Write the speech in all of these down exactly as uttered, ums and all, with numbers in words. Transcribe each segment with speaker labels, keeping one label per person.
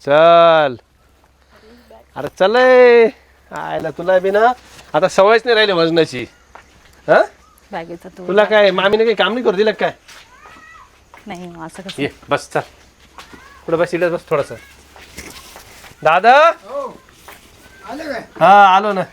Speaker 1: चल अरे चल आयला तुला बी ना आता सवयच नाही राहिली वजनाची. हा
Speaker 2: बॅगेचा तो
Speaker 1: तुला काय मामीने काही काम नाही करू दिलं काय?
Speaker 2: नाही असं कसं
Speaker 1: ये बस चल पुढे बस इकडे बस थोडस. दादा
Speaker 3: आले काय?
Speaker 1: हा आलो ना.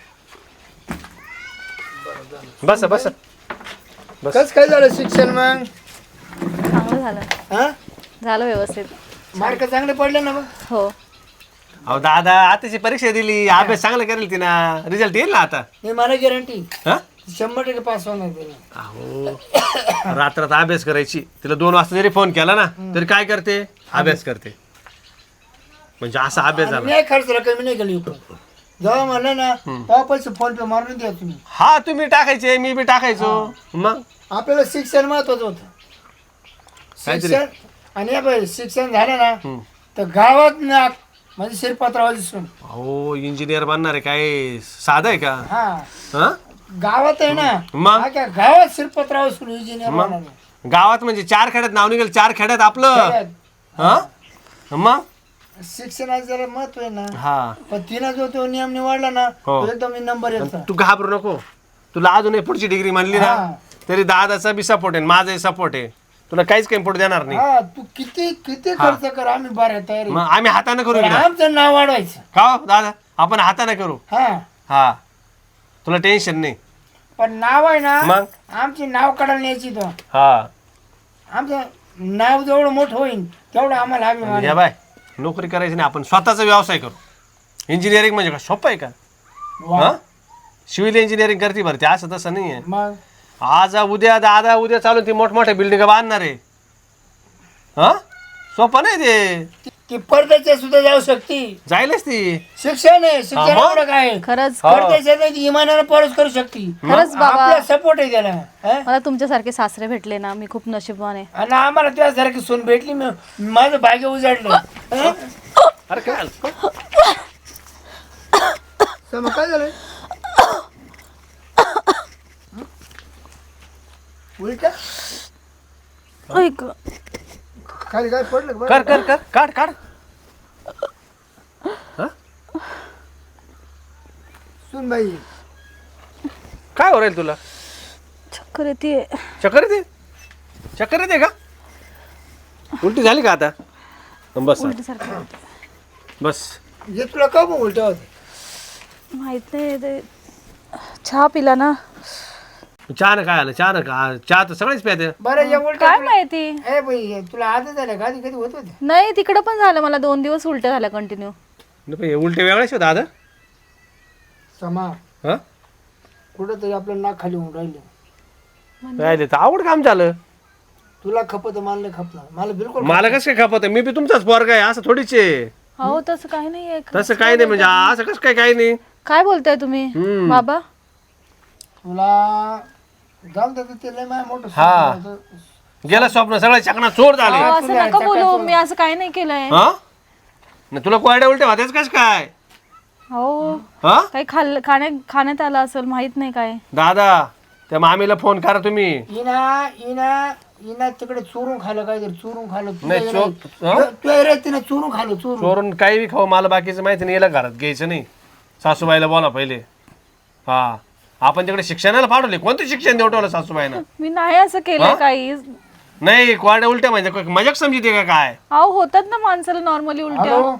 Speaker 1: बस बस बस.
Speaker 3: कस काय झालं शिक्षण मग?
Speaker 2: चांगलं झालं
Speaker 3: हा
Speaker 2: झालं व्यवस्थित.
Speaker 3: मार्क चांगले पडले ना मग?
Speaker 2: हो
Speaker 1: अहो दादा आताची परीक्षा दिली अभ्यास चांगला करेल तिना रिझल्ट येईल ना आता.
Speaker 3: मी मला गॅरंटी
Speaker 1: हा
Speaker 3: शंभर टक्के पास होणार तिला.
Speaker 1: अहो रात्रात अभ्यास करायची तिला दोन वाजता जरी फोन केला ना तरी काय करते अभ्यास करते. म्हणजे असा अभ्यास झाला.
Speaker 3: मी खर्च कमी नाही केली जेव्हा म्हणलं ना तेव्हा पैसे फोन पे मारून द्या तुम्ही.
Speaker 1: हा तुम्ही टाकायचे मी बी टाकायचो मग
Speaker 3: आपल्याला शिक्षण महत्वाचं होतं. शिक्षण आणि हे बघ, शिक्षण झालं ना तर गावात ना म्हणजे शिरपत्रावाची सून.
Speaker 1: अहो इंजिनियर बनणार आहे काय साधं आहे का?
Speaker 3: हा
Speaker 1: हा
Speaker 3: गावात आहे ना
Speaker 1: मग?
Speaker 3: हा काय गावात शिरपत्राव सून इंजिनियर
Speaker 1: मग?
Speaker 3: बनणार.
Speaker 1: गावात म्हणजे चार खेड्यात नाव निघेल चार खेड्यात आपलं. हा मग
Speaker 3: शिक्षणाचं जरा महत्व आहे ना.
Speaker 1: हा
Speaker 3: पण तिनं जो तो नियम निवडला ना
Speaker 1: हो.
Speaker 3: तो एकदम नंबर येतो.
Speaker 1: तू घाबरू नको. तुला अजून पुढची डिग्री म्हणली ना
Speaker 3: हा.
Speaker 1: तरी दादाचा बी सपोर्ट आहे माझाही सपोर्ट आहे. तुला काहीच काही पुढे देणार नाही.
Speaker 3: हा तू किती किती खर्च कर आम्ही बऱ्या तयारी.
Speaker 1: मग आम्ही हाताने करू
Speaker 3: पण
Speaker 1: इकडं.
Speaker 3: आमचं नाव वाढवायचं.
Speaker 1: का हो दादा आपण हाताने करू.
Speaker 3: हा
Speaker 1: हा तुला टेन्शन नाही.
Speaker 3: पण नाव आहे ना
Speaker 1: मग?
Speaker 3: आमची नाव काढायला न्यायची तो.
Speaker 1: हा
Speaker 3: आमचं नाव जेवढं मोठं होईल तेवढं आम्हाला अभिमान
Speaker 1: या बाय नोकरी करायची नाही आपण स्वतःचा व्यवसाय करू. इंजिनिअरिंग म्हणजे का सोपं आहे का?
Speaker 3: वा.
Speaker 1: हा सिव्हिल इंजिनिअरिंग करते भरती असं तसं नाही आहे.
Speaker 3: मग
Speaker 1: आज उद्या दादा उद्या चालून ती मोठमोठ्या बिल्डिंग बांधणार आहे. हा सोपं नाही ते.
Speaker 3: ती- ती परदेशात सुद्धा जाऊ शकते.
Speaker 1: जायलाच ती.
Speaker 3: शिक्षण आहे शिक्षण
Speaker 1: हा, मग?
Speaker 3: एवढं काय आहे?
Speaker 2: खरंच
Speaker 1: हो.
Speaker 3: परदेशात नाही ती इमानानं परत करू शकते.
Speaker 2: खरंच बाबा
Speaker 3: आपला सपोर्ट आहे त्याला. हा?
Speaker 2: मला तुमच्यासारखे सासरे भेटले ना मी खूप नशीबवान आहे.
Speaker 3: आणि आम्हाला त्यासारखी सून भेटली मी माझं भाग्य उजाडलं. हा?
Speaker 1: अरे काय झालं?
Speaker 3: तर मग काय झालं? उलट
Speaker 2: ऐक
Speaker 3: खाली काय पडलं का?
Speaker 1: कर कर कर काढ काढ.
Speaker 3: सून बाई
Speaker 1: काय हो राहील तुला?
Speaker 2: चक्कर येते.
Speaker 1: चक्कर येते चक्कर येते का? उलटी झाली का आता? बस
Speaker 2: उलटीसारखं होतं.
Speaker 1: बस.
Speaker 3: हे तुला का मग उलट होत?
Speaker 2: माहित नाही ते चहा पिला ना.
Speaker 1: चहा न काय आलं चहा न का चहा तर सगळेच प्याते.
Speaker 3: बरं या उलट
Speaker 2: काय माहिती
Speaker 3: ए बाई तुला आदत झालं का आधी कधी होत होते?
Speaker 2: नाही तिकडं पण झालं मला दोन दिवस उलट्या झाल्या कंटिन्यू.
Speaker 1: हे उलटे वेगळेच होता दादा.
Speaker 3: समा
Speaker 1: हा
Speaker 3: कुठं तरी आपलं नाक खाली होऊन राहिले.
Speaker 1: राहिले तर आवड काम झालं.
Speaker 3: तुला खपत मला नाही खपलं. मला बिलकुल
Speaker 1: मला कसं काय खपत मी बी तुमचाच पोरगा आहे असं थोडीच आहे.
Speaker 2: हो तसं काही नाहीये.
Speaker 1: तसं काही नाही म्हणजे असं कसं काय काही नाही.
Speaker 2: काय बोलताय तुम्ही
Speaker 1: हम्म.
Speaker 2: बाबा?
Speaker 3: तुला जाऊन देतो ते लय माझ्या मोठं
Speaker 1: हा.
Speaker 3: स्वप्न होतं.
Speaker 1: गेलं स्वप्न सगळं चकना चोर झाले.
Speaker 2: अहो, असं नका बोलू मी असं काही नाही केलंय.
Speaker 1: हा न तुला कोरड्या उलट्या होत्याच कस काय?
Speaker 2: हो
Speaker 1: हा
Speaker 2: काही खाल्लं खाण्या खाण्यात आलं असेल माहित नाही काय.
Speaker 1: दादा त्या मामीला फोन करा तुम्ही.
Speaker 3: इना इना इना तिकडे चोरून खाल्लं काहीतरी चोरून खाल्लं.
Speaker 1: नाही, चोर- हा?
Speaker 3: तुझ्या रे तिने चोरून खाल्लं चोरून.
Speaker 1: चोरून काही बी खाऊ मला बाकीचं माहिती नाही. याला घरात घ्यायचं नाही. सासूबाईला बोला पहिले. हा आपण तिकडे शिक्षणाला पाठवले. कोणतं शिक्षण देवटवलं सासूबाईनं?
Speaker 2: मी नाही असं केलंय काही.
Speaker 1: नाही कोरड्या उलट्या म्हणजे काय मजाक समजते का काय?
Speaker 2: अहो होतात ना माणसाला नॉर्मली उलट्या.
Speaker 3: हॅलो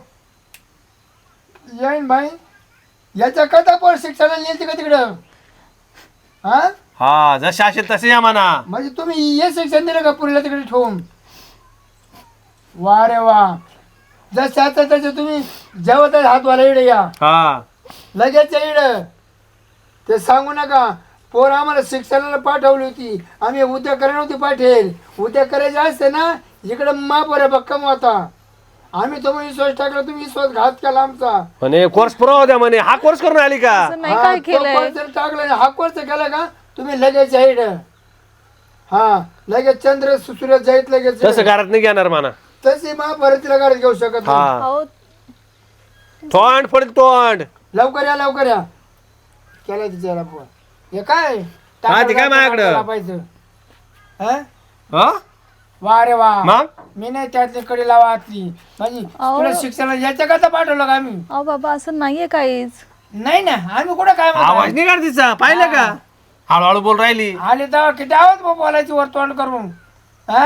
Speaker 3: येईन भाई याच्या कथा पण शिक्षणाला नेलते का तिकडं? हा
Speaker 1: हा जसे असेल तसे या म्हणा.
Speaker 3: म्हणजे तुम्ही हे शिक्षण दिलं का पुरीला तिकडे ठेवून? वा रे वा जसं आता तसं तुम्ही जेवत हात वाला इडे या
Speaker 1: हा
Speaker 3: लगेच इड ते सांगू नका. पोर आम्हाला शिक्षणाला पाठवली होती आम्ही उद्या करायला नव्हती पाठेल. उद्या करायचे असते ना इकडे महापोऱ्या भक्कम होता. आम्ही तुम्ही विश्वास टाकला तुम्ही विश्वास घात केला आमचा.
Speaker 1: म्हणे कोर्स पुरावा द्या म्हणे. हा कोर्स करून आली का?
Speaker 2: असं नाही काय केलंय.
Speaker 3: टाकला हा कोर्स केला का तुम्ही लगेच जाईड. हा लगेच चंद्र सूर्य जाईत लगेच.
Speaker 1: तसं घरात नाही घेणार म्हणा.
Speaker 3: तशी महाभारतीला गाडीत घेऊ शकत नाही.
Speaker 1: हा
Speaker 2: अहो
Speaker 1: तोंड पडेल तोंड.
Speaker 3: लवकर या लवकर या केला तिच्याला फोन. हे काय
Speaker 1: हा, ते काय माझ्याकडं?
Speaker 3: पाहिजे. हा
Speaker 1: हा
Speaker 3: वा रे वा
Speaker 1: मग
Speaker 3: मी नाही त्यातली कडे लावा आतली म्हणजे
Speaker 2: अहो.
Speaker 3: तुला शिक्षणाला याच्या करता पाठवलं का आम्ही
Speaker 2: अहो बाबा असं नाहीये काहीच.
Speaker 3: नाही ना आम्ही कुठं काय म्हणतो?
Speaker 1: आवाज नाही काढ तिचा पाहिलं का हळूहळू बोल राहिली.
Speaker 3: आले तेव्हा किती आवाज बा बोलायची वर तोंड करून हा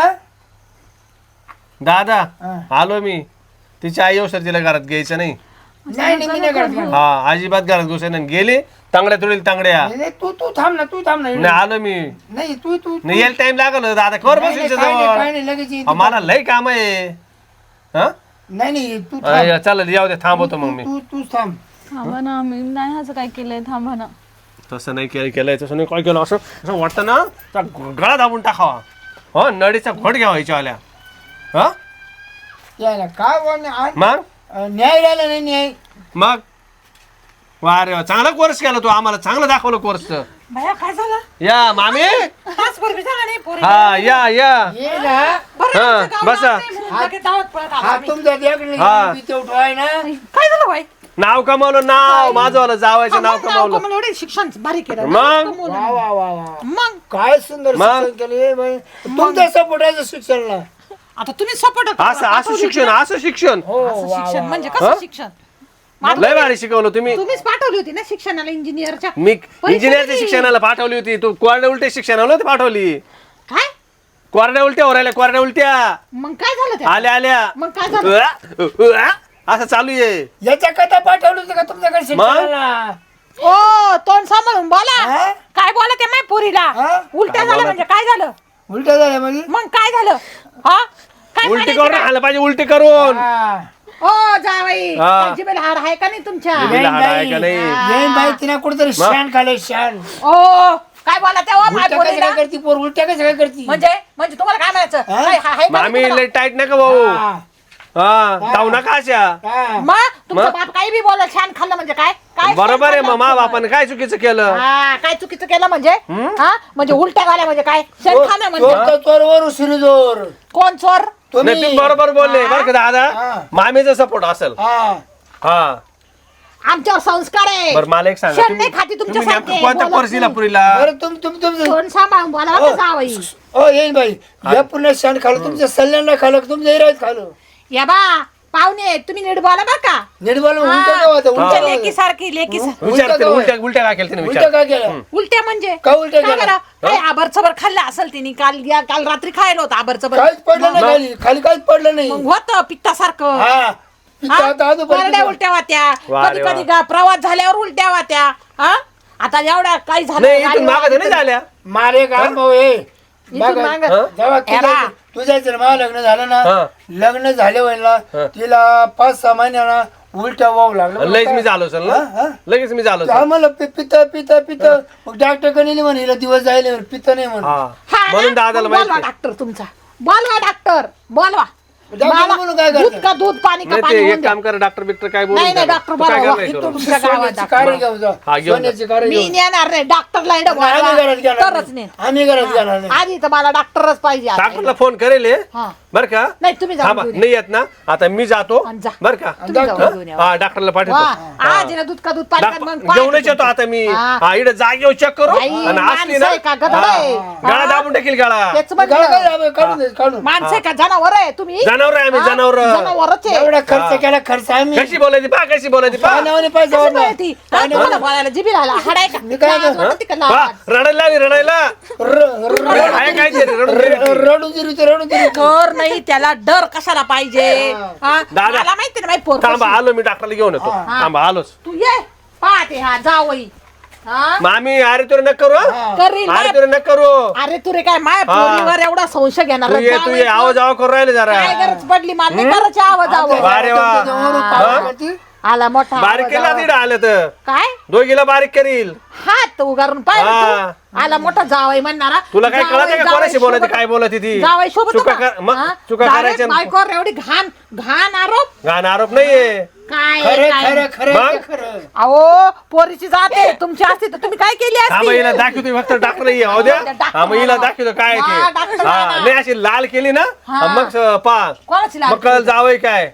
Speaker 1: दादा
Speaker 3: हा.
Speaker 1: आलो मी. तिची आई येऊ तिला घरात घ्यायचं नाही.
Speaker 3: नाही नाही मी नाही करत नाही.
Speaker 1: हा अजिबात घरात घुसायला गेले तांगड्या तुडील तांगड्या.
Speaker 3: नाही, तू तू थांब ना तू थांब ना
Speaker 1: नाही आलो मी.
Speaker 3: नाही तू तू
Speaker 1: नाही यायला टाइम लागल दादा कवर
Speaker 3: नाही,
Speaker 1: बसेल
Speaker 3: नाही, काय नाही,
Speaker 1: जवळ.
Speaker 3: काय नाही, लगेच ये.
Speaker 1: अहो, मला लय काम आहे. हा
Speaker 3: नाही नाही तू थांब.
Speaker 1: अय, चालेल येऊ दे थांबवतो मग मी.
Speaker 3: तू तू थांब
Speaker 2: थांबा ना, मी नाही असं काय केलंय, थांबा ना.
Speaker 1: तसं नाही केलं केलंय तसं नाही काय केलं असं असं वाटतं ना त्या गळा दाबून टाकावा. हो नडीचा घोट घ्यावा हिच्यावाल्या. हा
Speaker 3: यायला काय बोल
Speaker 1: मग
Speaker 3: न्याय राहिला नाही न्याय
Speaker 1: मग वा रे वा चांगला कोर्स केला तू आम्हाला चांगलं दाखवलं कोर्स.
Speaker 4: भया काय झालं?
Speaker 1: या मामी
Speaker 4: तास पूर्वी झाला नाही पोरी.
Speaker 1: हा या या
Speaker 3: ये ना
Speaker 4: बरं
Speaker 1: हा,
Speaker 4: आमचं गाव
Speaker 1: बसा.
Speaker 4: लांब आहे म्हणून लगेच धावत पळत आलो
Speaker 3: हा
Speaker 4: आम्ही.
Speaker 3: तुमचा देखणे
Speaker 1: हा.
Speaker 3: आहे ना
Speaker 4: काय झालं बाई?
Speaker 1: नाव कमावलं नाव माझं वाला जावायचं नाव
Speaker 4: मग नाव
Speaker 1: कमावलं.
Speaker 4: कमवलं, एवढे शिक्षण भारी केलं.
Speaker 1: मग?
Speaker 4: नाव कमवलं.
Speaker 3: वा वा वा वा
Speaker 4: मग
Speaker 3: काय सुंदर
Speaker 1: मग?
Speaker 3: शिक्षण केलं हे बाई. तुमचं सपोर्टाचं शिक्षणला
Speaker 4: आता तुम्ही सपोर्ट
Speaker 1: असं असं शिक्षण असं शिक्षण
Speaker 3: हो वा,
Speaker 4: शिक्षण
Speaker 3: वा,
Speaker 4: म्हणजे
Speaker 1: हा?
Speaker 4: कसं शिक्षण? मग
Speaker 1: लय भारी शिकवलं तुम्ही.
Speaker 4: तुम्हीच पाठवली होती ना शिक्षणाला इंजिनियरच्या.
Speaker 1: मी इंजिनियरच्या
Speaker 4: दिली.
Speaker 1: शिक्षणाला पाठवली होती तू कोरड्या उलट्या शिक्षणाला नव्हती पाठवली.
Speaker 4: काय?
Speaker 1: कोरड्या उलट्या राहिल्या कोरड्या उलट्या
Speaker 4: मग काय झालं ते?
Speaker 1: आल्या आल्या
Speaker 4: मग काय झालं?
Speaker 1: उआ, उआ, असं चालू आहे.
Speaker 3: याच्या कथा पाठवलं होतं का तुमच्याकडे शिक्षणाला
Speaker 4: ओ तोंड सांभाळून बोला.
Speaker 3: हा?
Speaker 4: काय बोला ते माय पोरीला?
Speaker 3: हा?
Speaker 4: उलट्या झालं म्हणजे काय झालं?
Speaker 3: उलट झालं म्हणजे
Speaker 4: मग काय झालं? हा? काय
Speaker 1: उलटी
Speaker 4: म्हणायचं
Speaker 1: करून
Speaker 4: काय?
Speaker 1: आलं पाहिजे उलटी करून.
Speaker 3: हा.
Speaker 4: ओ जावई
Speaker 1: हा.
Speaker 4: जिभेला हार आहे का नाही तुमच्या?
Speaker 1: जिभेला
Speaker 3: येईन
Speaker 1: हाड आहे का
Speaker 3: बाई.
Speaker 1: नाही?
Speaker 3: येईन बाई तिने कुठेतरी शान खाल्लं शान
Speaker 4: ओ काय बोला तेव्हा माय
Speaker 3: उलट्या कशा
Speaker 4: पोरीला?
Speaker 3: काय करती पोर उलट्या कशा काय करती
Speaker 4: म्हणजे म्हणजे तुम्हाला काय म्हणायचं?
Speaker 3: हा?
Speaker 4: काय हा- आहे का
Speaker 1: मामी
Speaker 4: नाही
Speaker 1: लय टाईट नका भाऊ.
Speaker 3: हा.
Speaker 1: हा धावू नका अशा.
Speaker 3: हा.
Speaker 4: मग तुमचा
Speaker 1: मग?
Speaker 4: बाप काही बी बोला छान खाल्लं म्हणजे काय काय
Speaker 1: बरोबर आहे
Speaker 4: छान
Speaker 1: मग मा
Speaker 4: खाल्लं?
Speaker 1: बापाने काय चुकीचं केलं.
Speaker 4: हा काय चुकीचं केलं म्हणजे हा म्हणजे उलट्या झाल्या म्हणजे काय शेण खाणं म्हणजे
Speaker 3: चोर तर चोरवर उशिरी जोर
Speaker 4: कोण चोर?
Speaker 1: नाही तुम्ही बरोबर बोलले बरं का दादा.
Speaker 3: हा.
Speaker 1: मामीचा सपोर्ट असेल.
Speaker 3: हा
Speaker 1: हा
Speaker 4: आमच्यावर संस्कार आहे.
Speaker 1: बरं मला एक सांगा
Speaker 4: शेण
Speaker 1: तुम्ही
Speaker 4: नाही खाती
Speaker 1: तुम्ही
Speaker 4: तुमच्यासारखे,
Speaker 1: नेमकं कोणत्या
Speaker 4: बोलत
Speaker 1: कोर्सीला
Speaker 4: नाही.
Speaker 1: पुरीला.
Speaker 3: बरं तुम तुम तुमचं
Speaker 4: तोंड सांभाळून बोला
Speaker 3: हो.
Speaker 4: बरं जावई.
Speaker 3: हो येईन बाई या पूर्ण शान खाल्लं तुमच्या सल्ल्यांना खाल्लं तुमच्या इरायत खाल्लं
Speaker 4: या बा पाहुणे तुम्ही नीट बोला बरं का?
Speaker 3: नीट बोला
Speaker 4: हा,
Speaker 3: उलट्या काय होतं
Speaker 4: तुमच्या
Speaker 3: उलट्या
Speaker 4: लेकी सारखी लेकी सारखी.
Speaker 1: विचार
Speaker 3: उलट्या
Speaker 1: तिने,
Speaker 3: काय?
Speaker 1: उलट्या उलट्या काय केलं तिने
Speaker 3: उलट्या
Speaker 1: विचार.
Speaker 3: काय केलं
Speaker 4: उलट्या म्हणजे
Speaker 3: का उलट्या
Speaker 4: काय
Speaker 3: केलं?
Speaker 4: बरं? काय आबर चबर खाल्लं असेल तिने काल या काल रात्री खायला होतं आबर चबर.
Speaker 3: काहीच पडलं नाही खाली खाली काहीच पडलं नाही
Speaker 4: मग होतं पित्तासारखं.
Speaker 3: हा पित्त
Speaker 4: हा?
Speaker 3: आता आजू
Speaker 4: कोरड्या
Speaker 3: पडलं.
Speaker 4: उलट्या वाट्या
Speaker 1: वा
Speaker 4: कधी
Speaker 1: रे वा.
Speaker 4: कधी गा- प्रवास झाल्यावर उलट्या वाट्या. हा आता एवढ्या काही झालं
Speaker 1: नाही इथून
Speaker 4: गाडीवर
Speaker 1: मागं तर नाही
Speaker 4: आली
Speaker 1: झाल्या.
Speaker 3: मारे का भाऊ हे
Speaker 4: इथून
Speaker 3: बघा,
Speaker 4: मागं.
Speaker 1: हा?
Speaker 3: जेव्हा
Speaker 4: ए बा.
Speaker 3: तुझ्या तुझ्या जर मला लग्न झालं ना
Speaker 1: हा.
Speaker 3: लग्न झाले होईल ना
Speaker 1: हा.
Speaker 3: तिला पाच सहा महिन्याला उलट्या वाहू लागलं
Speaker 1: लगेच मी झालो असेल
Speaker 3: हा,
Speaker 1: ना
Speaker 3: हा.
Speaker 1: लगेच मी झालो असेल.
Speaker 3: आम्हाला पि- पिता पिता पिता मग डॉक्टर कडे म्हणे हिला दिवस जायला पित्त नाही म्हणून
Speaker 1: हा
Speaker 4: हा ना?
Speaker 1: म्हणून दादाला
Speaker 4: मग बोलवा
Speaker 1: माहिती.
Speaker 4: डॉक्टर तुमचा बोलवा डॉक्टर बोलवा.
Speaker 3: डॉक्टर
Speaker 4: मला
Speaker 3: म्हणून काय
Speaker 4: दूध
Speaker 3: करता?
Speaker 4: का दूध पाणी का
Speaker 1: नाही
Speaker 4: पाणी
Speaker 1: ते
Speaker 4: होऊन
Speaker 1: एक
Speaker 4: द्या.
Speaker 1: काम कर डॉक्टर बिक्टर काय बोलू
Speaker 4: नाही नाही
Speaker 1: नका.
Speaker 4: डॉक्टर
Speaker 1: तू काय
Speaker 4: बोलवा.
Speaker 1: करणार
Speaker 4: इथून
Speaker 1: करू?
Speaker 4: तुमच्या गावात
Speaker 3: सोन्याची
Speaker 4: डॉक्टर.
Speaker 3: कार घेऊन जा
Speaker 1: हा, घेऊन जा.
Speaker 3: सोन्याची कार
Speaker 4: मी
Speaker 3: घेऊन
Speaker 4: नेणार नाही डॉक्टरला इकडं
Speaker 3: आम्ही घरात
Speaker 4: बोलवा.
Speaker 3: घेणार
Speaker 4: तरच
Speaker 3: नाही.
Speaker 4: नाही
Speaker 3: आम्ही घरात घेणार नाही
Speaker 4: आधी तर मला डॉक्टरच पाहिजे आता.
Speaker 1: डॉक्टरला फोन करेल हे.
Speaker 4: हा.
Speaker 1: बर का
Speaker 4: नाही तुम्ही जाऊन
Speaker 1: थांबा
Speaker 4: घेऊन या.
Speaker 1: नाही येत ना आता मी जातो
Speaker 4: आणि जा.
Speaker 1: बर का
Speaker 4: तुम्ही जाऊन
Speaker 3: हा?
Speaker 4: घेऊन या.
Speaker 1: हा डॉक्टरला
Speaker 4: वा
Speaker 1: पाठवतो.
Speaker 4: आज आहे ना दूध का दूध पाणी का मग
Speaker 1: डॉक्टर- घेऊनच येतो आता मी.
Speaker 4: हा.
Speaker 1: हा इकडे जागेवर चेक करू
Speaker 4: बाई,
Speaker 1: आणि असली
Speaker 4: माणसं
Speaker 1: ना
Speaker 4: आहे का गधड
Speaker 1: हा.
Speaker 4: आहे?
Speaker 1: गळा
Speaker 4: हा.
Speaker 1: दाबून टाकील गळा.
Speaker 4: तेच
Speaker 3: गाळ
Speaker 4: म्हणलं.
Speaker 3: काय जावं, काढून दे काढून
Speaker 4: माणसं आहे का जनावर आहे तुम्ही?
Speaker 1: जनावर आहे आम्ही
Speaker 4: हा?
Speaker 1: जनावर.
Speaker 4: जनावरच आहे.
Speaker 3: एवढा खर्च केला खर्च आम्ही
Speaker 1: कशी बोलायची पा कशी बोलायची पा
Speaker 3: पाण्यावाने पैसे
Speaker 4: कसं
Speaker 3: वाढला.
Speaker 4: बोलती? हा, तुम्हाला बोलायला जिभी राहिला हाड आहे का?
Speaker 3: मी काय
Speaker 4: लाज
Speaker 3: म्हणतो?
Speaker 4: वाटते का
Speaker 1: पा,
Speaker 4: लाज?
Speaker 1: रडायला लागली रडायला
Speaker 3: र- र- र-
Speaker 1: आहे काय ते रडून गेली ती.
Speaker 3: रडून दिली ते रडून दिली
Speaker 4: डर नाही त्याला डर कशाला पाहिजे हा?
Speaker 1: दादा.
Speaker 4: मला माहिती ना माहिती पोर
Speaker 1: थांबा
Speaker 4: कशी.
Speaker 1: आलो मी डॉक्टरला घेऊन येतो
Speaker 4: हा.
Speaker 1: थांबा आलोच.
Speaker 4: तू ये पाहते हा जावई हा
Speaker 1: मामी अरे तुला नक करू हं?
Speaker 4: करील
Speaker 1: अरे
Speaker 4: ना.
Speaker 1: तुला नक करू
Speaker 4: अरे तुरे काय माय
Speaker 1: हा.
Speaker 4: पोरीवर एवढा संशय घेणार
Speaker 1: तू ये तू
Speaker 4: जावई
Speaker 1: ये आवाज आवाज करू राहिले जरा
Speaker 4: काय गरज पडली मला नाही करायची आवाज आवाज
Speaker 1: बारे वा.
Speaker 3: त्याच्यावरून
Speaker 4: हा.
Speaker 3: पावलं करती.
Speaker 4: आला मोठा
Speaker 1: बारीक
Speaker 4: आवाज,
Speaker 1: केला
Speaker 4: आवाज.
Speaker 1: तिकडे आलं तर
Speaker 4: काय
Speaker 1: दोघीला बारीक करील.
Speaker 4: हात उगारून पाहिलं
Speaker 1: हा.
Speaker 4: तू? आला मोठा जावई म्हणणारा
Speaker 1: तुला काय
Speaker 4: जावई-
Speaker 1: कळत का
Speaker 4: जावई
Speaker 1: कोणाशी बोलायची
Speaker 4: शोभत-
Speaker 1: काय बोलत ती
Speaker 4: जावई शोभत
Speaker 1: चुका
Speaker 4: होता?
Speaker 1: कर मग
Speaker 4: हा?
Speaker 1: चुका
Speaker 4: direct
Speaker 1: करायच्या
Speaker 4: बायकोवर एवढी घाण घाण आरोप
Speaker 1: घाण आरोप नाहीये.
Speaker 4: काय
Speaker 3: खरं
Speaker 4: काय?
Speaker 3: खरं खरं
Speaker 1: मग?
Speaker 3: ते खरं
Speaker 4: अहो पोरीची जाते तुमची असती तर तुम्ही काय केली
Speaker 1: हा मग हिला
Speaker 4: असती
Speaker 1: दाखवतो फक्त डॉक्टर ये हो द्या
Speaker 4: डॉक्टर
Speaker 1: हा मग हिला
Speaker 4: आला.
Speaker 1: दाखवतो काय
Speaker 4: हा,
Speaker 1: ते
Speaker 4: डॉक्टर
Speaker 1: हा
Speaker 4: आला.
Speaker 1: नाही अशी लाल केली ना
Speaker 4: हा.
Speaker 1: मग स- पा
Speaker 4: कोणाची लाल
Speaker 1: मग कळलं जावई काय
Speaker 4: तुम-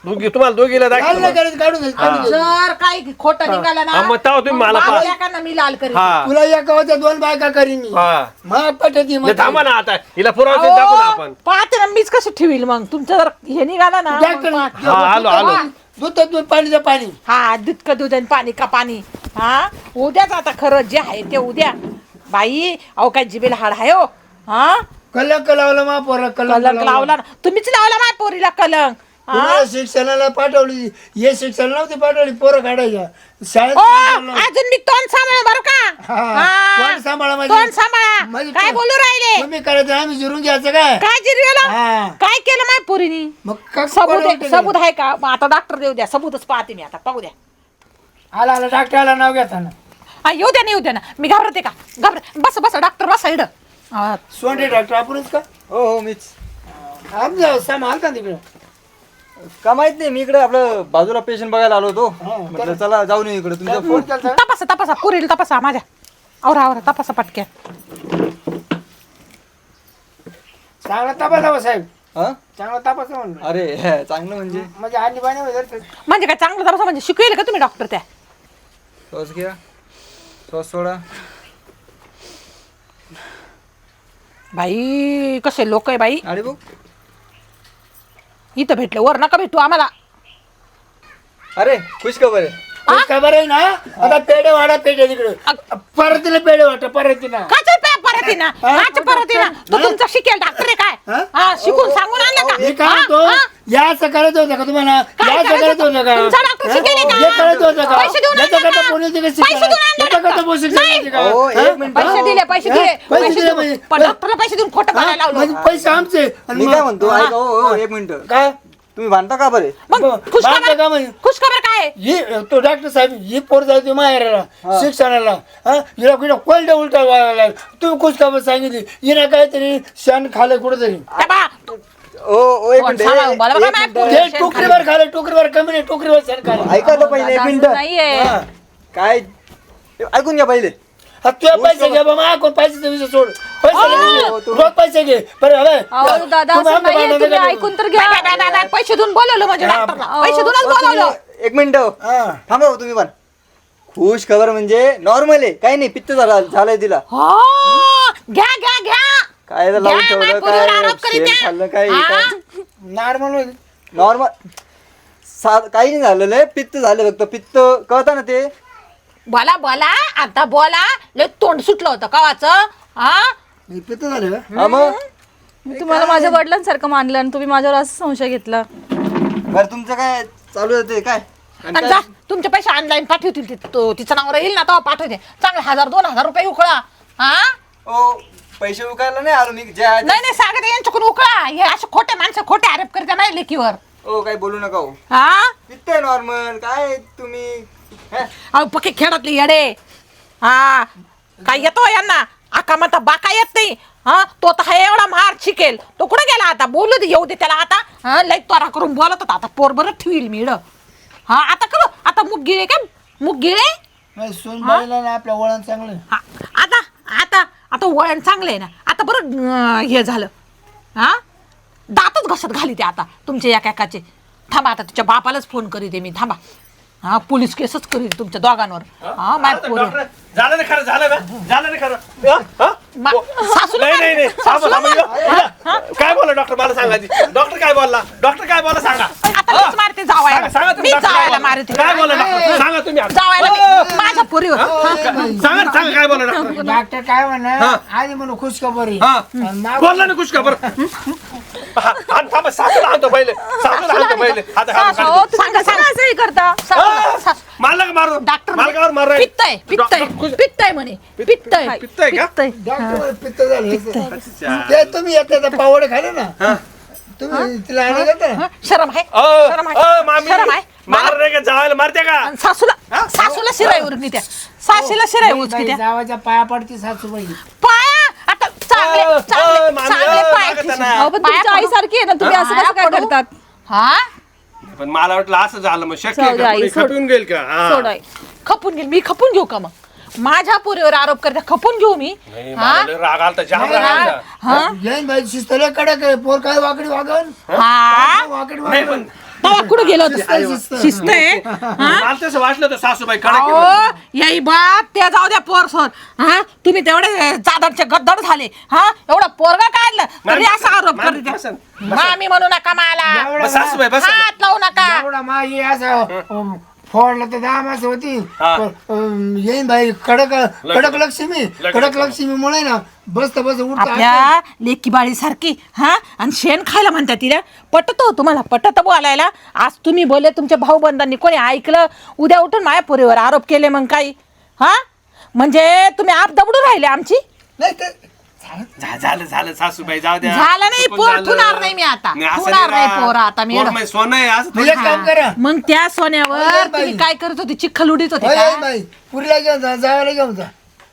Speaker 1: दोघी तुम्हाला दोघीला
Speaker 3: काढून
Speaker 1: दाखव
Speaker 3: नाही करायचं, काढून घ्यायचं, काढून घ्यायचं.
Speaker 4: जर काही खोटं निघालं ना
Speaker 1: हा, मग तेव्हा तुम्ही मला
Speaker 4: मग
Speaker 1: पा-
Speaker 4: एकानं मी लाल करीन
Speaker 1: हा
Speaker 3: तुला एका होत्या दोन बायका करीन मी
Speaker 1: हा
Speaker 3: मग पटती
Speaker 1: नाही, थांबा ना आता हिला पुरावा
Speaker 4: अहो,
Speaker 1: दाखवू ना आपण
Speaker 4: पाहते ना मीच कसं ठेवील मग तुमचं जर हे निघालं ना
Speaker 3: डॉक्टर
Speaker 4: मग पाहते.
Speaker 1: हा आलो आलो
Speaker 3: दूध दूध पाणीचं पाणी
Speaker 4: हा दूध का दूध आणि पाणी का पाणी हा उद्याच आता खरं जे आहे ते उद्या बाई अहो काय जिबेला हाड आहे हो हा
Speaker 3: कलंक लावला मा पोरा
Speaker 4: कलंक
Speaker 3: कलंक
Speaker 4: लावला ना तुम्हीच लावला माझ्या पोरीला कलंक हा?
Speaker 3: तुम्हाला शिक्षणाला पाठवली हे शिक्षण नव्हती पाठवली पोरं काढायच्या शाळेत
Speaker 4: ओ,
Speaker 3: पाठवलं.
Speaker 4: अजून मी तोंड सांभाळ बरं का
Speaker 3: हा,
Speaker 4: हा.
Speaker 3: तोंड सांभाळा म्हणजे-
Speaker 4: तोंड सांभाळा
Speaker 3: म्हणजे
Speaker 4: काय
Speaker 3: तो-
Speaker 4: बोलू राहिले
Speaker 3: तुम्ही करायचं आम्ही जिरून घ्यायचं काय
Speaker 4: काय जिरवेला
Speaker 3: हा.
Speaker 4: काय केलं माझ्या पोरीनी
Speaker 3: मग का-
Speaker 4: सबूत
Speaker 3: कोण
Speaker 4: आहे
Speaker 3: उलटं
Speaker 4: सबूत आहे का मग आता डॉक्टर देऊ द्या सबूतच पाहते मी आता पाहू द्या
Speaker 3: केलं? आला आला डॉक्टरला नाव घेताना
Speaker 4: हा येऊ द्या नाही येऊ द्या ना मी घाबरते का घाबर बस बस डॉक्टर बसा इड
Speaker 3: सोंडे डॉक्टर आपणच का
Speaker 5: हो हो मीच
Speaker 3: आमचं सामान का तिकडे
Speaker 5: का माहित नाही मी इकडे आपलं बाजूला पेशंट बघायला आलो होतो
Speaker 3: हा,
Speaker 5: म्हटलं चला जाऊन येऊ इकडे तुमचा फोन
Speaker 4: तपासा तपासा पुरील तपासा माझ्या आवरा आवरा तपासा पटक्या
Speaker 3: चांगला तपासा साहेब
Speaker 5: हा
Speaker 3: चांगला तपासा म्हणलं
Speaker 5: अरे हे, चांगलं म्हणजे
Speaker 3: म्हणजे आणि पाणी वगैरे
Speaker 4: म्हणजे काय चांगलं तपासा म्हणजे शिकवेल का तुम्ही डॉक्टर त्या
Speaker 5: सॉस घ्या सॉस सोडा
Speaker 4: बाई कसे लोक आहे बाई
Speaker 5: आणि बघ
Speaker 4: इथं भेटले वर नका भेटू आम्हाला
Speaker 5: अरे खुश खबर आहे
Speaker 3: तेच खबर आहे ना आता पेढे वाढा पेढे तिकडे परत तिला पेढे वाटा परत तिला
Speaker 4: काच परत ना काच परत ना तो तुमचा शिकेल डॉक्टर आहे
Speaker 3: हा?
Speaker 4: काय हा शिकून सांगून आणलं
Speaker 3: हे
Speaker 4: का
Speaker 3: काय
Speaker 4: हा?
Speaker 3: होतो
Speaker 4: हा?
Speaker 3: याचं करायचं होतं का तुम्हाला
Speaker 4: काय
Speaker 3: याचं
Speaker 4: करायचं
Speaker 3: करायचं होतं का
Speaker 4: तुमचा डॉक्टर शिकेल का?
Speaker 3: हे करायचं होतं का
Speaker 4: पैसे देऊन आणलं
Speaker 3: याच्याकरता
Speaker 4: का?
Speaker 3: पोलीस तिकडे
Speaker 4: पैसे देऊन आणलं
Speaker 3: याच्याकरता
Speaker 4: का?
Speaker 3: पोलीस
Speaker 4: नाही.
Speaker 3: शिकायचं का?
Speaker 5: हो,
Speaker 3: हा?
Speaker 5: एक मिनिट.
Speaker 4: पैसे दिले पैसे
Speaker 3: हा?
Speaker 4: दिले
Speaker 3: पैसे
Speaker 4: पैसे
Speaker 3: दिले
Speaker 4: देऊन
Speaker 3: म्हणजे-
Speaker 4: पण डॉक्टरला पैसे देऊन खोटं
Speaker 3: हा?
Speaker 4: बोलायला
Speaker 3: म्हणजे
Speaker 4: लावलं
Speaker 3: पैसे आमचे आणि
Speaker 5: मी
Speaker 3: मग-
Speaker 5: काय म्हणतो ऐका हो हो, एक मिनिट
Speaker 3: काय
Speaker 5: तुम्ही भांडता का बरे
Speaker 4: मग
Speaker 3: ब-
Speaker 4: खुश
Speaker 3: बाळाचं
Speaker 4: खबर
Speaker 3: काम आहे.
Speaker 4: खुश खबर काय आहे?
Speaker 3: ही तो डॉक्टर साहेब ही पोर जायची माहेराला शिक्षणाला हा हिला कुठं कोलड्या उलटा व्हायला तुम्ही खुश खबर सांगितली हिनं काहीतरी शान खाल्लं कुठं
Speaker 4: त्या बा,
Speaker 5: ओ ओ एक
Speaker 4: कोण
Speaker 5: मिनिट
Speaker 4: सांगा,
Speaker 5: एक
Speaker 4: मला बघा माझ्या
Speaker 5: मिनिट.
Speaker 4: पोरी.
Speaker 3: ते टोकरीवर खाल्लं टोकरीवर कमी नाही टोकरीवर शान खाल्लं
Speaker 5: ऐका तर पहिले एक मिनिट
Speaker 2: नाहीये
Speaker 3: हा.
Speaker 5: काय ऐकून घ्या पहिले
Speaker 3: हा, तुझे पैसे घे बाबा कोण पैसे विषय सोड पैसे घे. रोज पैसे घे बरं हवे
Speaker 2: अहो दादा
Speaker 3: तुम्ही
Speaker 2: असं
Speaker 3: आमच्या
Speaker 2: नाहीये
Speaker 3: भांडणाचं
Speaker 2: तुम्ही
Speaker 3: काय
Speaker 2: ऐकून तर
Speaker 4: बाय, बाय,
Speaker 2: घ्या
Speaker 4: बाय, बाय, पैसे देऊन बोलवलं म्हणजे डॉक्टरला
Speaker 2: अहो.
Speaker 4: पैसे देऊनच
Speaker 5: ओ,
Speaker 4: बोलवलं
Speaker 5: तुम्ही- एक मिनिट
Speaker 3: हा
Speaker 5: थांबा हो तुम्ही पण खुश खबर म्हणजे नॉर्मल आहे काही नाही पित्त झाला झालंय तिला
Speaker 4: हो घ्या घ्या घ्या
Speaker 5: काय तर लावून
Speaker 4: घ्या,
Speaker 5: ठेवलं
Speaker 4: माझ्या पोरीवर
Speaker 5: काय
Speaker 4: आरोप करीत
Speaker 5: शेण
Speaker 4: आहे.
Speaker 5: खाल्लं काय
Speaker 4: हा?
Speaker 3: नॉर्मल
Speaker 5: नॉर्मल काही नाही झालेलं आहे पित्त झालं फक्त पित्त कळतं ना ते
Speaker 4: बोला बोला आता बोला लय तोंड सुटलं होतं कवाचं हा
Speaker 3: पित्त झालं का?
Speaker 5: हा मग
Speaker 2: मी तुम्हाला माझ्या वडिलांसारखं मानलं आणि तुम्ही माझ्यावर असं संशय घेतला
Speaker 5: बरं तुमचं काय चालू आहे ते काय आणि
Speaker 4: आणि
Speaker 5: काय?
Speaker 4: जा तुमचे पैसे ऑनलाईन पाठवतील ती- तो तिचं नाव राहील ना तेव्हा पाठवते चांगले हजार दोन हजार रुपये उकळा हा
Speaker 5: ओ पैसे उकायला नाही आलो मी ज्या
Speaker 4: नाही नाही सांगत यांच्याकडून उकळा हे असे खोटे माणसं खोटे आरोप करते नाही लेखीवर
Speaker 5: ओ काय बोलू नका हो
Speaker 4: हा
Speaker 5: पित्त आहे नॉर्मल काय तुम्ही हे?
Speaker 4: अहो पक्के खेळातले येडे हा काय येतो यांना आका म्हणता बाका येत नाही हा तो तर हा एवढा मार शिकेल तो कुठे गेला आता बोलू दे येऊ दे त्याला आता हा लई त्वरा करून बोलत होता आता पोर बरं ठेवील मी इडं. हा आता करू आता मुग गिळे काय मुग गिळे
Speaker 3: नाही, सून बाईला ना आपल्या वळण चांगलं आहे.
Speaker 4: हा, आता आता आता वळण चांगलं आहे ना आता बरं अं, हे झालं हा दातच घसत घाली ते आता तुमच्या एका एकाचे थांबा आता तुझ्या बापालाच फोन करीते मी थांबा हा पोलीस केसच करील तुमच्या दोघांवर हा माझ्या पोरी
Speaker 1: डॉक्टर, झालं ना खरं झालं ना झालं ना खरं हा? हा?
Speaker 4: मा- सासूला
Speaker 1: नाही नाही नाही थांबा,
Speaker 4: सासूला
Speaker 1: थांबा, इथं. काय बोला डॉक्टर मला सांगा आधी. डॉक्टर काय बोलला डॉक्टर काय बोला सांगा
Speaker 4: आता मीच मारते जावायला
Speaker 1: सांगा तुम्ही
Speaker 4: मी
Speaker 1: डॉक्टर काय
Speaker 4: जावायला
Speaker 1: बोलला?
Speaker 4: मारते
Speaker 1: काय बोला डॉक्टर सांगा तुम्ही आता.
Speaker 4: जावायला मी- माझ्या पोरीवर
Speaker 1: हा? सांगा ना, सांगा काय बोला डॉक्टर
Speaker 3: डॉक्टर काय म्हणा
Speaker 1: हा.
Speaker 3: आधी म्हणून खुश खबर आहे.
Speaker 1: हा
Speaker 3: आणि माग-
Speaker 1: बोलला ना कुछ खबर हा, आण, थांबा सासूला आणतो पहिले सासूला आणतो पहिले आता हा,
Speaker 2: अहो
Speaker 1: हा.
Speaker 2: तुम्ही
Speaker 4: सांगा,
Speaker 2: कसं
Speaker 4: सांगा.
Speaker 2: असंही करता
Speaker 1: हा,
Speaker 4: सासू-
Speaker 1: मला का मारू
Speaker 4: डॉक्टर
Speaker 1: मला का मारू राहिले?
Speaker 4: पित्त आहे पित्त आहे
Speaker 1: डॉक्टर खुश-
Speaker 4: पित्त आहे म्हणे पित्त आहे
Speaker 1: पित्त आहे का
Speaker 2: पित्त आहे.
Speaker 3: डॉक्टर म्हणे पित्त झालं
Speaker 1: अच्छा.
Speaker 3: ते तुम्ही येतात पावड खाले ना तुम्ही तिला आणलं जाता ना
Speaker 4: हं? शरम आहे
Speaker 1: अ,
Speaker 4: शरम
Speaker 1: अ,
Speaker 4: आहे
Speaker 1: मामी
Speaker 4: शरम आहे
Speaker 1: मार रे का जावायला मारते का
Speaker 4: आणि सासूला सासूला शिराई उरकी त्या सासूला शिराई उचकी
Speaker 3: बाई,
Speaker 4: त्या
Speaker 3: जावाच्या पाया पडते सासूबाई
Speaker 4: पाया आता चांगले
Speaker 1: अ,
Speaker 4: चांगले
Speaker 1: अ, मामी,
Speaker 4: चांगले
Speaker 1: अ,
Speaker 4: पाय
Speaker 1: लागत
Speaker 4: ठेशी.
Speaker 1: ना.
Speaker 2: अहो पण
Speaker 4: पाया
Speaker 2: तुमच्या
Speaker 4: पडू.
Speaker 2: आईसारखी आहे ना तुम्ही असं
Speaker 4: पाया
Speaker 2: कसं काय
Speaker 4: पडू.
Speaker 2: करतात
Speaker 4: हा
Speaker 1: पण मला वाटलं असं झालं मग शक्य
Speaker 2: जाऊ
Speaker 1: आहे
Speaker 2: दे
Speaker 1: का?
Speaker 2: आई,
Speaker 1: कोणी
Speaker 2: सोड.
Speaker 1: खटून गेल का हा.
Speaker 2: सोड आई.
Speaker 4: खपून घेईल मी खपून घेऊ का मग माझ्या पोरीवर आरोप करते खपून घेऊ मी
Speaker 1: नाही,
Speaker 4: हा
Speaker 1: मला लय राग आलता जाम
Speaker 3: नाही,
Speaker 1: राग
Speaker 3: नाही.
Speaker 1: आलता
Speaker 4: हा
Speaker 3: जैन बाई शिस्तले कडक आहे पोर काय वाकडी वागन
Speaker 4: हा
Speaker 3: वाकड
Speaker 1: नाही पण
Speaker 4: तेव्हा कुठं गेलो होतं शिस्त आहे हा?
Speaker 1: मला तसं वाटलं होतं सासूबाई कडक आहे
Speaker 4: अहो
Speaker 1: म्हणून.
Speaker 4: याई बा त्या जाऊ द्या पोरसोर हा तुम्ही तेवढे चादरचे गद्दड झाले हा एवढं पोरगा काढलं तरी
Speaker 1: मॅम,
Speaker 4: असा आरोप
Speaker 1: मॅम,
Speaker 4: करते
Speaker 1: बसा.
Speaker 4: मामी म्हणू नका मला
Speaker 1: बस सासूबाई बस
Speaker 4: हात लावू नका
Speaker 3: एवढा माझी असं अं, फोडला तर दहा मास होती
Speaker 1: हा.
Speaker 3: पण, अं, येईन भाई कडक कडक लक्ष्मी कडक लक्ष्मी मुळे ना बसता बस उठता
Speaker 4: आपल्या लेकी बाळी सारखी हा आणि शेण खायला म्हणतात तिला पटतो तुम्हाला पटत बोलायला आज तुम्ही बोलले तुमच्या भाऊ बंधांनी कोणी ऐकलं उद्या उठून माझ्या पोरीवर आरोप केले मग काही हा म्हणजे तुम्ही आप दबडून राहिले आमची
Speaker 3: नाही तर
Speaker 1: झा- झालं झालं सासूबाई जाऊ द्या
Speaker 4: झालं नाही,
Speaker 1: चुकून
Speaker 4: पोर
Speaker 1: झालं.
Speaker 4: ठुणार नाही मी आता.
Speaker 1: नाही, असं
Speaker 4: ठुणार
Speaker 1: नाही
Speaker 4: नाही
Speaker 1: ना.
Speaker 4: पोर आता मी
Speaker 1: पोर
Speaker 4: एवढं.
Speaker 1: म्हणजे सोनं आहे असं
Speaker 3: मग
Speaker 1: थोडी.
Speaker 3: एक काम करा
Speaker 4: मग त्या सोन्यावर
Speaker 3: अरे बाई.
Speaker 4: तुम्ही काय करत होते चिखल उडीत होते
Speaker 3: होय,
Speaker 4: का?
Speaker 3: येईन भाई पुरीला घेऊन जा जावायला घेऊन जा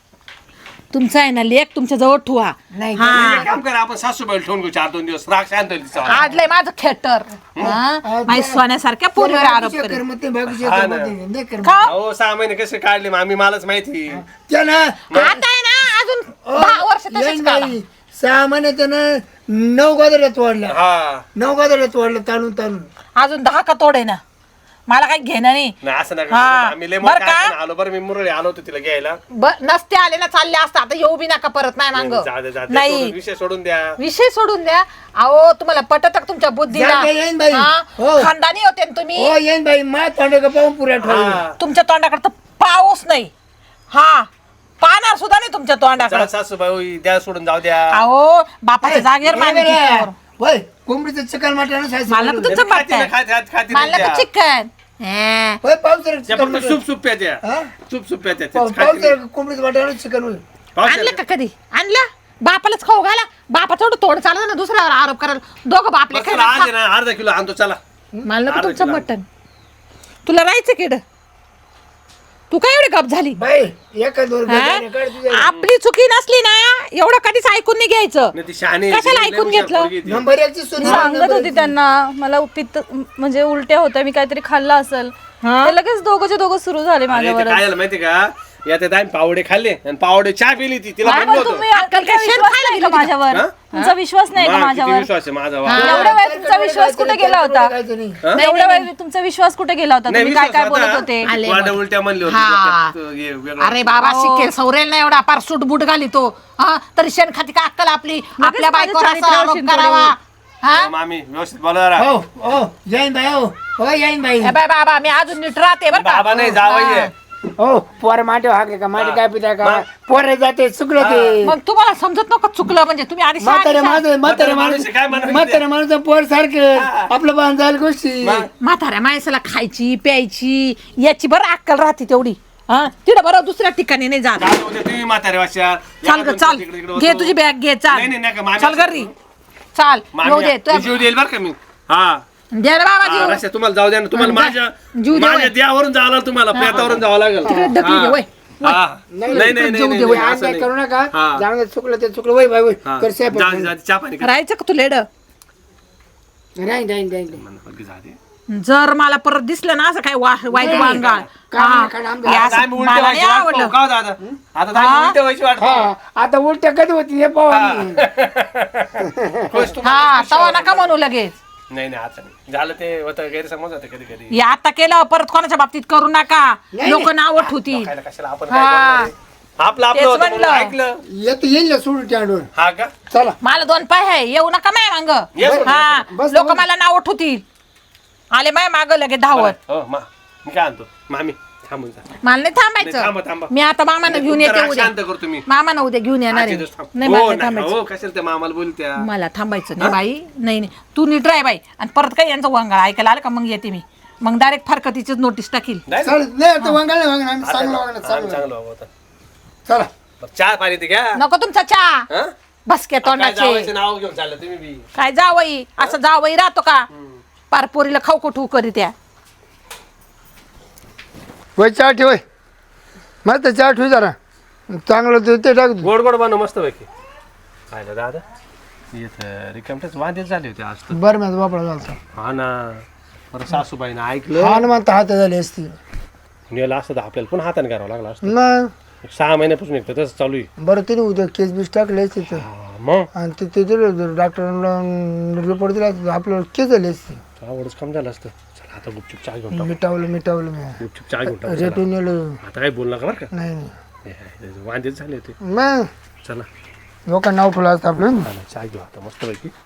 Speaker 4: तुमचा आहे ना लेख तुमच्या जवळ ठुवा
Speaker 3: नाही
Speaker 4: हा
Speaker 1: एक काम करा आपण सासूबाई ठेवून घेऊ चार दोन दिवस राग शांत होईल तिचा.
Speaker 4: आडलंय माझं खेटर माझ्या सोन्यासारख्या पोरीवर आरोप
Speaker 3: बाकीचे
Speaker 4: करेल
Speaker 3: करमत नाही, बाकीचे
Speaker 1: हा
Speaker 3: करमत
Speaker 1: ना.
Speaker 3: नाही, नाही करमत.
Speaker 4: का
Speaker 1: हो सहा महिने कसे काढले मामी मलाच माहिती
Speaker 3: त्यानं
Speaker 4: आता आहे ना अजून दहा वर्ष
Speaker 3: येईन
Speaker 4: तसेच काढा.
Speaker 3: बाई सहा महिने त्यानं नऊ गोदड्या तोडल्या
Speaker 1: हा
Speaker 3: नऊ गोदड्या तोडल्या ताणून ताणून
Speaker 4: अजून दहा का तोडे ना मला काही घेणं नाही
Speaker 1: नाही असं नका
Speaker 4: हा.
Speaker 1: करू. आम्ही लय
Speaker 4: बरं
Speaker 1: मोठ्या
Speaker 4: का?
Speaker 1: हाताने आलो बरं मी मुरळी आलो होतो तिला घ्यायला
Speaker 4: ब- नसते आले ना चालले असता आता येऊ बी नका परत नाही मांग
Speaker 1: जाऊ दे, जाऊ दे.
Speaker 4: नाही
Speaker 1: सोडून- विषय सोडून द्या
Speaker 4: विषय सोडून द्या अहो तुम्हाला पटत का तुमच्या बुद्धीला
Speaker 3: जा, जा, येईन बाई.
Speaker 4: हा?
Speaker 3: हो.
Speaker 4: खानदानी होते ना तुम्ही
Speaker 3: हो येईन बाई मा तोंड का पाहून पुऱ्या ठेवली
Speaker 1: हा.
Speaker 4: तुमच्या तोंडाकडे तर पाऊस नाही हा पाहणार सुद्धा नाही तुमच्या तोंडाकडे
Speaker 1: जा सासूबाई होई, द्या सोडून जाऊ द्या
Speaker 4: अहो बापाच्या जागेवर पाणी पितो.
Speaker 3: होय कोंबडीचं चिकन मटण
Speaker 4: मला तर तुमचं
Speaker 1: खाती ना,
Speaker 4: पटतंय
Speaker 1: खाती खाती खाती
Speaker 4: मला
Speaker 1: द्या.
Speaker 4: तर चिकन हे.
Speaker 3: होय पावसाळ्यात
Speaker 1: त्या
Speaker 3: चिकन
Speaker 1: फक्त सूप सूप प्याच्या
Speaker 3: हा?
Speaker 1: सूप सूप प्याच्या
Speaker 3: पाव-
Speaker 1: तेच खाती नाही.
Speaker 3: पावसाळ्यात कोंबडीचं मटण चिकन होईल
Speaker 4: आणलं का कधी आणलं बापालाच खाऊ घाला बापा थोडं तोंड चाललं ना दुसऱ्यावर आरोप करायला दोघं बापले
Speaker 1: बस चला, आज आहे ना अर्धा किलो आणतो चला
Speaker 4: मला नको
Speaker 1: अर्धा
Speaker 4: तुमचं
Speaker 1: किलो.
Speaker 4: मटण तुला राहायचं किड तू काय एवढी गप झाली
Speaker 3: बाई एका दोन
Speaker 4: हा?
Speaker 3: गजाने काढ तुझ्या.
Speaker 4: आपली चुकी नसली ना एवढं कधीच ऐकून नाही घ्यायचं
Speaker 1: नाही ती शहाणी आहे,
Speaker 4: कशाला
Speaker 1: ती लय
Speaker 4: ऐकून
Speaker 1: हुशार
Speaker 4: घेतलं?
Speaker 1: पोरगी आहे ती.
Speaker 3: नंबर एकची सुनी
Speaker 2: सांगत होती त्यांना मला पित्त म्हणजे उलट्या होत्या मी काहीतरी खाल्लं असेल
Speaker 4: हा?
Speaker 2: ते लगेच दोघंचे दोघं सुरू झाले
Speaker 1: अरे ते
Speaker 2: माझ्यावर
Speaker 1: काय झालं माहिती का या त्या आम्ही पावडे खाल्ले आणि पावडे चहा पिली ती तिला म्हणलं होतं
Speaker 2: तुम्ही
Speaker 4: अक्कल काय
Speaker 2: तुमचा
Speaker 4: शेण
Speaker 2: विश्वास
Speaker 4: खायला
Speaker 2: नाही का
Speaker 4: गेली का?
Speaker 2: माझ्यावर
Speaker 1: हा?
Speaker 2: तुमचा विश्वास नाही का
Speaker 1: मा, किती
Speaker 2: माझ्यावर
Speaker 1: विश्वास आहे माझा वा.
Speaker 2: एवढ्या वेळ तुमचा विश्वास कुठे गेला होता
Speaker 3: नाही
Speaker 2: एवढ्या वेळ तुमचा विश्वास कुठे गेला होता
Speaker 1: नाही,
Speaker 2: तुम्ही काय
Speaker 1: विश्वास
Speaker 2: काय बोलत
Speaker 1: होता.
Speaker 2: होते
Speaker 4: आले
Speaker 1: वाड्या
Speaker 4: मग.
Speaker 1: उलट्या म्हणली होती
Speaker 4: हा.
Speaker 1: डोक्यात, हे वेगळं.
Speaker 4: अरे बाबा शिकेल सौरेल ना एवढा पार सूट बूट घाली तो हा तरी शेण खाती का अक्कल आपली आपल्या बायकोवर
Speaker 2: माझ्या
Speaker 4: असा आरोप
Speaker 2: चारित्र्यावर
Speaker 4: करावा हा
Speaker 1: हो, मामी व्यवस्थित बोला जरा.
Speaker 3: हो हो येईन बाई हो हो येईन बाई
Speaker 4: ए बाय बाबा मी अजून नीट राहते बरं का
Speaker 1: बाबा नाही जावई आहे.
Speaker 3: हो पोर माटे हाके का माटे काय पिता का पोर जाते चुकलं ते
Speaker 4: मग तुम्हाला समजत नको चुकलं म्हणजे तुम्ही आधी
Speaker 3: म्हातारे
Speaker 4: शहाणी-
Speaker 3: माणूस म्हातारे
Speaker 1: माणूस
Speaker 3: माणूस
Speaker 1: काय म्हणत
Speaker 3: म्हातारे माणूस पोर सारखं आपलं बांध झालं गोष्टी
Speaker 1: मग?
Speaker 4: म्हाताऱ्या माणसाला खायची प्यायची याची बरं अक्कल राहते तेवढी हा तिथं बरं दुसऱ्या ठिकाणी नाही जात
Speaker 1: जाऊ दे, तुम्ही म्हातारे वाशा
Speaker 4: चाल ग चाल घे तुझी बॅग घे चाल
Speaker 1: नाही, नाही, नका, मामी
Speaker 4: चाल
Speaker 1: असं-
Speaker 4: घरी चाल
Speaker 1: मामी,
Speaker 4: येऊ दे
Speaker 1: मी
Speaker 4: तू
Speaker 1: जीव देईल बरं का मी हा
Speaker 4: दे रे बाबा
Speaker 1: हा,
Speaker 4: जीव
Speaker 1: रस्त्यात तुम्हाला जाऊ द्या ना तुम्हाला
Speaker 4: हा,
Speaker 1: माझ्या
Speaker 4: जीव दे,
Speaker 1: माझ्या
Speaker 4: वय.
Speaker 1: देवावरून जावं लागलं तुम्हाला पेटावरून जावं लागेल
Speaker 4: तिकडे ढकली दे, वय.
Speaker 1: हा. हा. नाही नाही नाही,
Speaker 3: जीव
Speaker 1: नाही
Speaker 3: दे,
Speaker 1: नाही,
Speaker 3: आज
Speaker 1: असं
Speaker 3: काय
Speaker 1: नाही.
Speaker 3: करू नका
Speaker 1: हा.
Speaker 3: जाऊन दे, चुकलं ते चुकलं वय बाई वय
Speaker 1: हा.
Speaker 3: कर साहेब
Speaker 1: जा, जा, चहा पाणी कर.
Speaker 4: राहायचं का तू लेड
Speaker 3: राहीन राहीन राहीन
Speaker 1: म्हणलं, फक्त जा दे.
Speaker 4: जर मला परत दिसलं ना असं काय वा- वाईट वांगाळ
Speaker 3: काय
Speaker 4: हा.
Speaker 3: नाही, काय नाही, आमचं-
Speaker 4: हे
Speaker 1: आता
Speaker 4: असं
Speaker 1: आम्ही उलट्या
Speaker 4: मला नाही
Speaker 1: व्हायची वाट
Speaker 4: आवडलं
Speaker 1: पाहू. का हो दादा आता तर आम्ही उलट्या व्हायची वाट पाहू.
Speaker 3: हा आता उलट्या कधी होती हे पाहू आम्ही.
Speaker 1: खुश तुम्हाला
Speaker 4: हा
Speaker 1: खुश
Speaker 4: तवा
Speaker 1: व्हावं
Speaker 4: नका म्हणू लगेच
Speaker 1: नाही नाही आता नाही झालं ते होतं गैरसमज होतं कधी कधी
Speaker 4: हे आता केलं परत कोणाच्या बाबतीत करू नका
Speaker 3: नाही,
Speaker 4: लोक नाव ठेवती
Speaker 1: खायला कशाला आपण
Speaker 4: हा.
Speaker 1: काय करणार आहे? आपलं आपलं
Speaker 4: तेच
Speaker 1: होतं म्हणून
Speaker 4: म्हणलं.
Speaker 1: ऐकलं
Speaker 3: येतं येईल ना सोडून त्याडून
Speaker 1: हा का
Speaker 3: चला
Speaker 4: मला दोन पाय आहे येऊ नका माय मांग
Speaker 1: ये सोड,
Speaker 4: हा
Speaker 3: बस,
Speaker 4: लोक
Speaker 3: बस.
Speaker 4: मला नाव ठेवतील आले माय माग लगे धावत
Speaker 1: हो मा मी काय आणतो मामी थांबून जा
Speaker 4: मला नाही
Speaker 1: नाही, थांबा,
Speaker 4: थांबायचं
Speaker 1: थांबा.
Speaker 4: मी आता मामानं घेऊन
Speaker 1: तुमचा
Speaker 4: येते
Speaker 1: राग
Speaker 4: उद्या
Speaker 1: शांत करतो मी
Speaker 4: मामानं उद्या घेऊन येणार
Speaker 1: आजचे
Speaker 4: आहे
Speaker 1: दिवस थांब.
Speaker 4: नाही
Speaker 1: हो,
Speaker 4: मला नाही
Speaker 1: नाही,
Speaker 4: थांबायचं
Speaker 1: हो कशाला त्या मामाला बोलत्या
Speaker 4: मला थांबायचं नाही बाई नाही नाही तू नीट राय बाई आणि परत काही यांचं वंगाळ ऐकायला आलं का मग येते मी मग डायरेक्ट फारकतीचीच नोटीस टाकील
Speaker 1: नाही ना?
Speaker 3: चल नाही आता वांगाळ नाही वांगाळ आम्ही
Speaker 1: आता
Speaker 3: चांगलं
Speaker 1: ना,
Speaker 3: वांगाळ
Speaker 1: आम्ही
Speaker 3: चांगलं
Speaker 1: चांगलं बाबा आता.
Speaker 3: चला
Speaker 1: बरं, चहा पाणी ते घ्या
Speaker 4: नको तुमचा चहा
Speaker 1: हं?
Speaker 4: बसके
Speaker 1: काय
Speaker 4: तोंडाचे
Speaker 1: जावयाचं नाव घेऊन चाललं तुम्ही बी
Speaker 4: काय जावई असं जावई राहतो का पारपोरीला खाऊ कुठू करीत या
Speaker 3: वय चहा ठेव वय. मस्त चहा ठेव जरा चांगलं ते ते टाक
Speaker 1: गोड गोड बनव मस्त पैकी पाहिलं दादा येत रिकामटेच वांदेच झाले होते आज तर
Speaker 3: बरं माझा बापडा झालता
Speaker 1: हा ना बरं सासूबाईनं ऐकलं
Speaker 3: हा ना म्हणता हात झाली असती
Speaker 1: नेलं असतं तर आपल्याला पण हाताने करावं लागलं असतं
Speaker 3: मग
Speaker 1: सहा महिन्यापासून एक तर तसं चालू आहे
Speaker 3: बरं तिने उद्या केस बीस टाकले असते तर
Speaker 1: हा, मग
Speaker 3: आणि ते ते दिलं डॉक्टरांना रिपोर्ट दिला आपल्याला केस झाली असते
Speaker 1: आवडच काम झालं असतं. चला आता गुपचूप चहा घेऊन टाकू.
Speaker 3: मिटावलं मिटावलं मी
Speaker 1: गुपचूप चहा घेऊन टाकू.
Speaker 3: रेटून
Speaker 1: चला.
Speaker 3: गेलो.
Speaker 1: आता काही बोल नका बरं का.
Speaker 3: नाही नाही
Speaker 1: हे, हे, हे, वांदेच झाले होते.
Speaker 3: मग
Speaker 1: चला
Speaker 3: लोक नाव ठेवलं असतं आपलं.
Speaker 1: चला, चहा घेऊ आता मस्तपैकी.